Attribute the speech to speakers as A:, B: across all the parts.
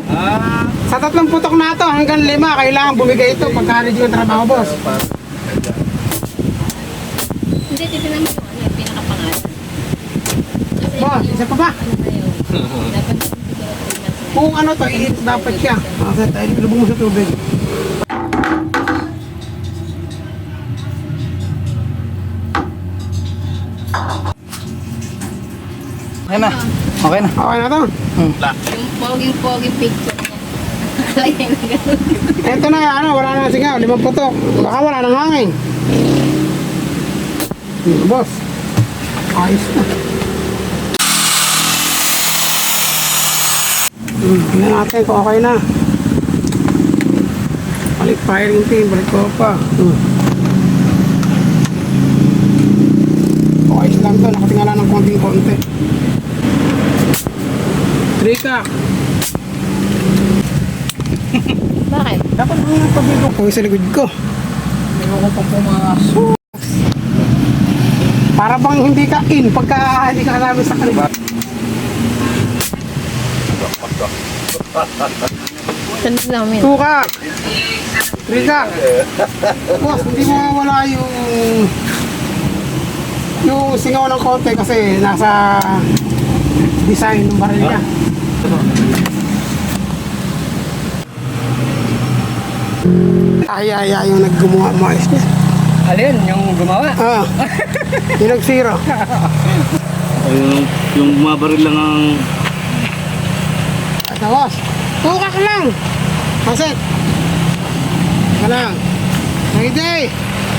A: Sa 3 putok na to hanggang 5, kailangan bumigay ito pagka-ready yung trabaho, boss.
B: Hindi, titignan mo kung ano yung pinakapangalan. Kasi
A: Boss,
B: yung
A: isa pa ba?
B: ano na yun, dapat siguro 3 months.
A: Kung ano to, i-hit dapat siya. Kasi tayo, ilubog mo sa tubig.
C: Okay na. Okay na.
A: Okay na to.
B: Yung poging picture niya. Nakalagay na gano'n.
A: Ito na, ano, wala na singaw, 5 putok. Baka wala nang hangin. Boss, ayos na. Tingnan natin kung okay na. Balik firing pin, balik ko pa. Ayos lang to, nakatingala ng konting-konti. Trika.
B: Bakit?
A: Dapat mo yung pabibok ko sa likod ko.
C: Meron ko pang pumasok.
A: Para bang hindi ka in pagka hindi ka kasama sa kanila.
B: Sunod namin.
A: Tuka! Trika! Boss, hindi mo mawala yung singaw ng konti kasi nasa design ng baril niya. Ay, yung naggumawa maayos niya.
C: Alin? Yung gumawa?
A: Ah, yung nag-zero.
D: Yung bumabaril lang ang...
A: Ito, boss. Tuka ka lang! Pasit! Ka lang. Hey!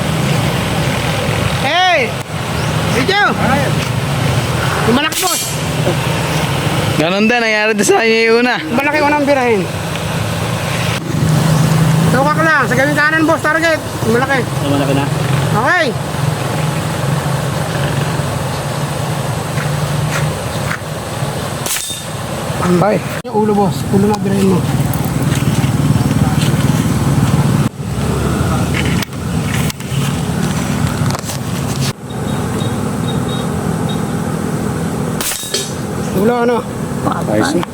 A: Hey! Video! Tumalak, boss!
C: Ganon din. Nangyari din sa kanya yung una.
A: Malaki unang birahin. Tuka ka lang. Sa gawing kanan, boss. Target. Malaki.
D: Malaki na.
A: Okay. Ambay. Yung ulo, boss. Ulo na birahin mo. Ulo, ano?
D: Ayos na.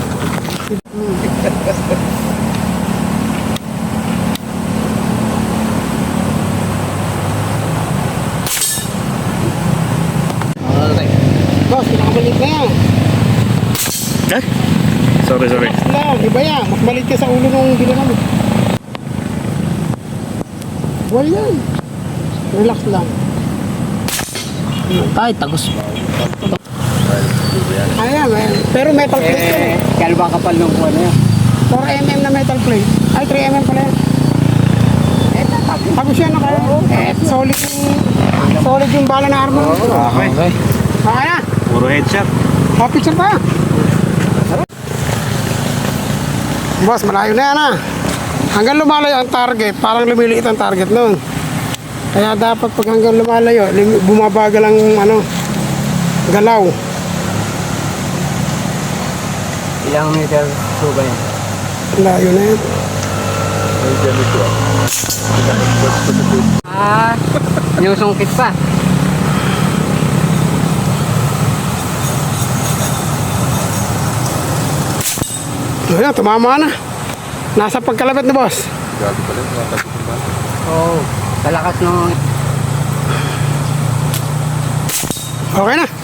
A: Boss, pinakabalik na yan.
D: Eh? Sorry.
A: Relax lang, iba yan. Mas malit ka sa ulo nung bilangan mo. Buwal yan. Relax lang.
C: Ay, tagos.
A: Ayan. Pero metal plate yan eh.
C: Kaya ba kapal ng kuha na yan?
A: 4mm na metal plate. Ay, 3mm pala yan. Tapos yan ako. Solid yung bala na armor.
D: Okay.
A: Okay na.
D: Puro headshot.
A: Picture pa. Boss, malayo na yan ah. Hanggang lumalayo ang target, parang lumiliit ang target nun. Kaya dapat pag hanggang lumalayo, bumabagal ang galaw.
C: Ilang meter po ba yan?
A: Layo na yan.
C: Yung sungkit pa.
A: Ayan, tumama na. Nasa pagkalapit na, boss.
C: Oo. Kalakas ng...
A: Okay na.